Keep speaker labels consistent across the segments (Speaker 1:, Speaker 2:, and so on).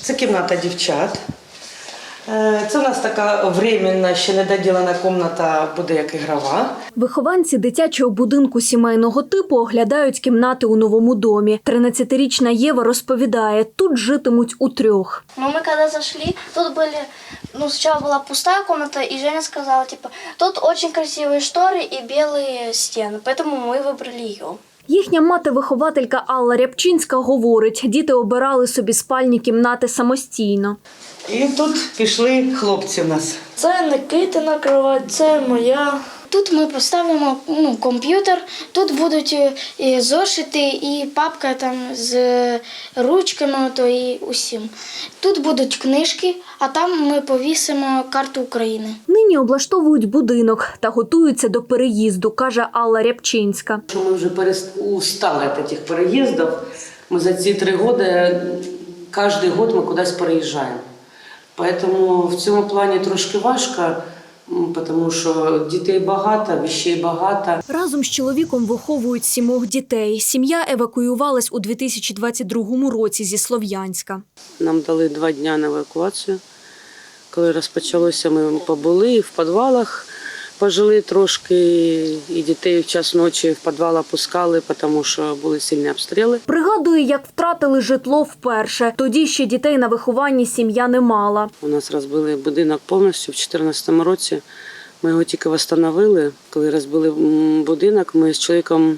Speaker 1: Це кімната дівчат. Це у нас така временна, ще недоділена кімната, буде як ігрова.
Speaker 2: Вихованці дитячого будинку сімейного типу оглядають кімнати у новому домі. 13-річна Єва розповідає, тут житимуть утрьох.
Speaker 3: Мы когда зашли, тут были, сначала была пустая комната, и Женя сказала, тут очень красивые шторы и белые стены, поэтому мы выбрали ее.
Speaker 2: Їхня мати-вихователька Алла Рябчинська говорить, діти обирали собі спальні кімнати самостійно.
Speaker 1: І тут пішли хлопці в нас.
Speaker 3: Це Никитина кровать, це моя. Тут ми поставимо комп'ютер, тут будуть і зошити, і папка там з ручками і усім. Тут будуть книжки, а там ми повісимо карту України.
Speaker 2: Нині облаштовують будинок та готуються до переїзду, каже Алла Рябчинська.
Speaker 1: Ми вже устали від цих переїздів. Ми за ці 3 роки, кожен рік ми кудись переїжджаємо. Тому в цьому плані трошки важко, тому що дітей багато, речей багато.
Speaker 2: Разом з чоловіком виховують 7 дітей. Сім'я евакуювалась у 2022 році зі Слов'янська.
Speaker 4: Нам дали 2 дні на евакуацію. Коли розпочалося, ми побули і в підвалах пожили трошки, і дітей в час ночі в підвал опускали, тому що були сильні обстріли.
Speaker 2: Пригадує, як втратили житло вперше. Тоді ще дітей на вихованні сім'я не мала.
Speaker 4: У нас розбили будинок повністю в 2014 році. Ми його тільки відновили. Коли розбили будинок, ми з чоловіком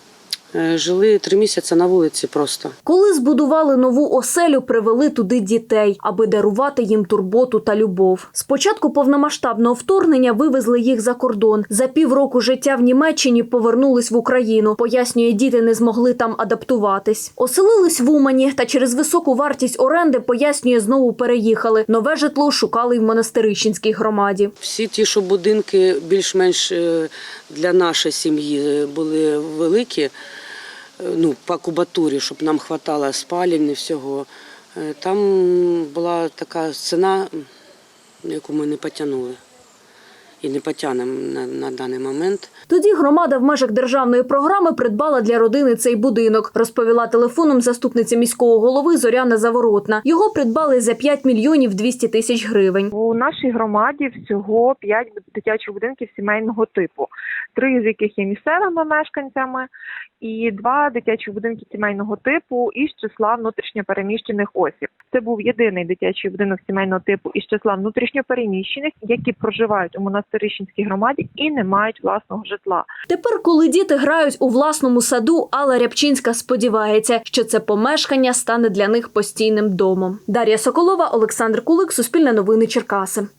Speaker 4: жили 3 місяці на вулиці просто.
Speaker 2: Коли збудували нову оселю, привели туди дітей, аби дарувати їм турботу та любов. З початку повномасштабного вторгнення вивезли їх за кордон. За півроку життя в Німеччині повернулись в Україну. Пояснює, діти не змогли там адаптуватись. Оселились в Умані та через високу вартість оренди, пояснює, знову переїхали. Нове житло шукали й в Монастирищенській громаді.
Speaker 4: Всі ті, що будинки більш-менш для нашої сім'ї були великі, по кубатурі, щоб нам вистачало спалень і всього. Там була така ціна, яку ми не потягнули. І не потягнемо на даний момент.
Speaker 2: Тоді громада в межах державної програми придбала для родини цей будинок, розповіла телефоном заступниця міського голови Зоряна Заворотна. Його придбали за 5 мільйонів 200 тисяч гривень.
Speaker 5: У нашій громаді всього 5 дитячих будинків сімейного типу, 3 з яких є місцевими мешканцями і 2 дитячі будинки сімейного типу із числа внутрішньопереміщених осіб. Це був єдиний дитячий будинок сімейного типу із числа внутрішньопереміщених, які проживають у Монастирищенській громаді і не мають власного житла.
Speaker 2: Тепер, коли діти грають у власному саду, Алла Рябчинська сподівається, що це помешкання стане для них постійним домом. Дар'я Соколова, Олександр Кулик, Суспільне новини, Черкаси.